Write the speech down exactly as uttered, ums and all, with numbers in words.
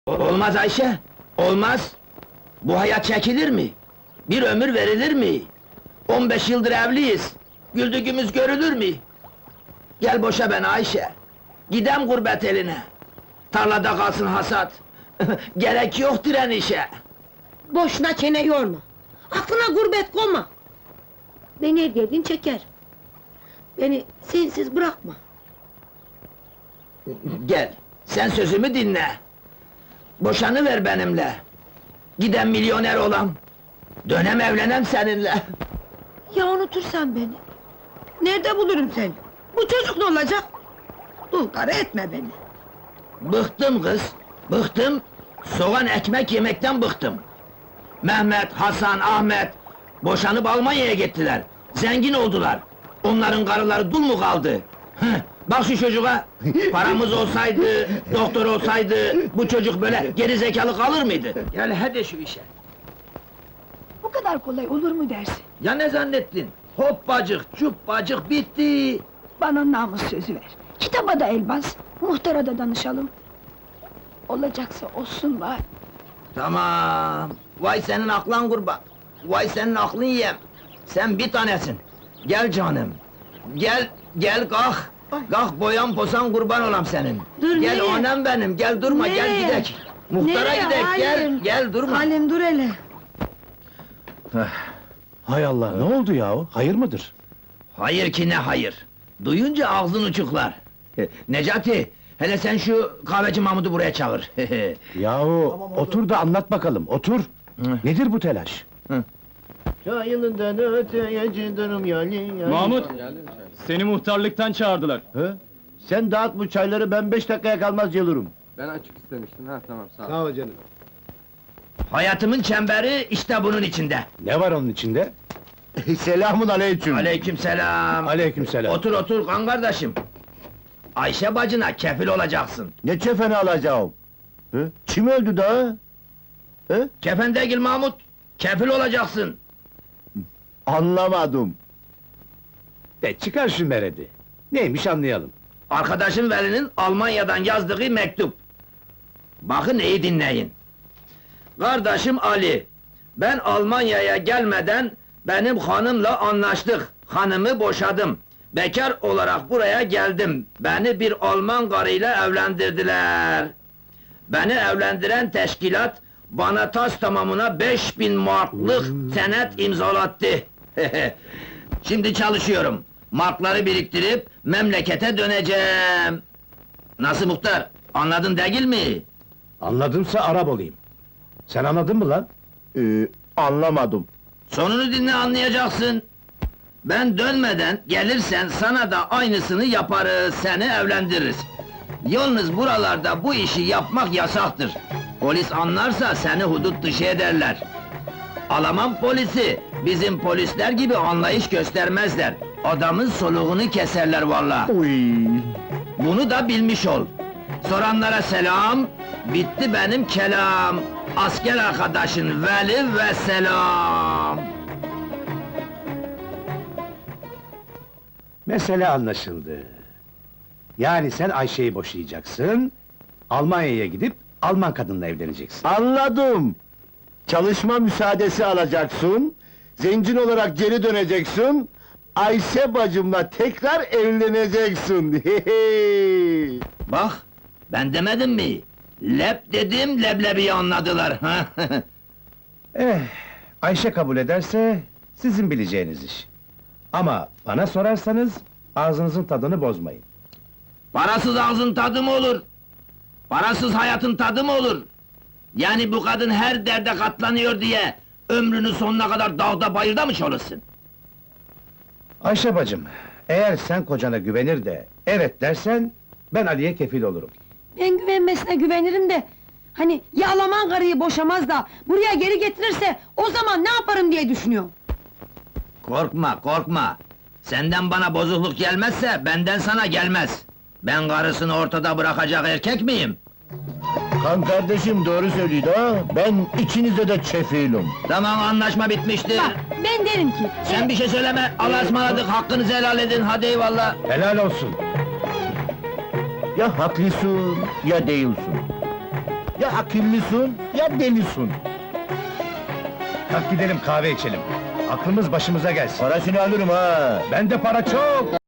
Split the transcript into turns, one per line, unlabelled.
Olmaz Ayşe, olmaz! Bu hayat çekilir mi? Bir ömür verilir mi? On beş yıldır evliyiz, güldüğümüz görülür mü? Gel boşa beni Ayşe, gidem gurbet eline. Tarlada kalsın hasat, gerek yok direnişe.
Boşuna çene yorma! Aklına gurbet koyma! Beni her geldiğin çeker. Beni sensiz bırakma!
Gel, sen sözümü dinle. Boşanıver benimle. Gidem milyoner olam. Dönem evlenem seninle.
Ya unutursan beni? Nerede bulurum seni? Bu çocuk ne olacak? Dul karı etme beni!
Bıktım kız, bıktım. Soğan ekmek yemekten bıktım. Mehmet, Hasan, Ahmet boşanıp Almanya'ya gittiler. Zengin oldular. Onların karıları dul mu kaldı? Hıh, bak şu çocuğa! Paramız olsaydı, doktor olsaydı bu çocuk böyle geri zekalı kalır mıydı? Gel hadi şu işe.
Bu kadar kolay olur mu dersin?
Ya ne zannettin? Hoppacık, cuppacık bitti.
Bana namus sözü ver. Kitaba da el bas, muhtara da danışalım. Olacaksa olsun bari.
Tamam. Vay senin aklın kurban. Vay senin aklın yem. Sen bir tanesin. Gel canım. Gel, gel kalk. Kalk boyan posan kurban olam senin.
Dur,
gel
nereye?
anam benim, gel durma, gel
Nereye?
gidek. Muhtara
Nereye,
gidek, gel,
Halim?
gel durma.
Halim dur hele!
Hay Allah, ne oldu yahu? Hayır mıdır?
Hayır ki ne hayır. Duyunca ağzın uçuklar. Necati, hele sen şu kahveci Mahmud'u buraya çağır.
Yahu, otur da anlat bakalım, otur!
Hı.
Nedir bu telaş?
Çayılından öteye cidarım yali yali.
Mahmut, seni muhtarlıktan çağırdılar.
Hı? Sen dağıt bu çayları, ben beş dakikaya kalmaz gelirim.
Ben açık istemiştim, ha tamam sağ ol.
Sağ ol canım.
Hayatımın çemberi işte bunun içinde.
Ne var onun içinde?
Selamun aleyküm.
Aleykümselam.
Aleykümselam.
Otur otur kan kardeşim. Ayşe bacına kefil olacaksın.
Ne çefeni alacağım? Hı? Kim öldü daha? Hı?
Kefen değil Mahmut, kefil olacaksın.
Anlamadım.
De çıkar şu meredi. Neymiş anlayalım.
Arkadaşım Veli'nin Almanya'dan yazdığı mektup. Bakın iyi dinleyin. Kardeşim Ali, ben Almanya'ya gelmeden benim hanımla anlaştık. Hanımı boşadım. Bekar olarak buraya geldim. Beni bir Alman karıyla evlendirdiler. Beni evlendiren teşkilat bana tas tamamına beş bin marklık senet imzalattı. Şimdi çalışıyorum. Markları biriktirip memlekete döneceğim. Nasıl muhtar? Anladın değil mi?
Anladımsa Arap olayım. Sen anladın mı lan?
Ee, anlamadım.
Sonunu dinle anlayacaksın. Ben dönmeden gelirsen sana da aynısını yaparız, seni evlendiririz. Yalnız buralarda bu işi yapmak yasaktır. Polis anlarsa seni hudut dışı ederler. Alman polisi, bizim polisler gibi anlayış göstermezler. Adamın soluğunu keserler vallahi.
Uy.
Bunu da bilmiş ol. Soranlara selam, bitti benim kelam. Asker arkadaşın Veli ve selam.
Mesele anlaşıldı. Yani sen Ayşe'yi boşayacaksın, Almanya'ya gidip Alman kadınla evleneceksin.
Anladım. Çalışma müsaadesi alacaksın, zencin olarak geri döneceksin, Ayşe bacımla tekrar evleneceksin. Hehe.
Bak, ben demedim mi? Lep dedim, leblebiyi anladılar.
Eh, Ayşe kabul ederse, sizin bileceğiniz iş. Ama bana sorarsanız, ağzınızın tadını bozmayın.
Parasız ağzın tadı mı olur? Parasız hayatın tadı mı olur? Yani bu kadın her derde katlanıyor diye... ...ömrünün sonuna kadar dağda bayırda mı çalışsın?
Ayşe bacım, eğer sen kocana güvenir de, evet dersen, ben Ali'ye kefil olurum.
Ben güvenmesine güvenirim de... Hani ya Alman karıyı boşamaz da... ...buraya geri getirirse... ...o zaman ne yaparım diye düşünüyorum.
Korkma, korkma! Senden bana bozukluk gelmezse, benden sana gelmez! Ben karısını ortada bırakacak erkek miyim?
Kan kardeşim doğru söylüyor ha, ben ikinize de çefilim.
Tamam, anlaşma bitmiştir!
Bak, ben derim ki...
Sen
e,
bir şey söyleme, Allah'a ısmarladık, hakkınızı helal edin, hadi eyvallah!
Helal olsun!
Ya haklısın, ya değilsin. Ya akıllısın ya delisin.
Kalk gidelim kahve içelim. Aklımız başımıza gelsin.
Parasını alırım ha.
Bende para çok.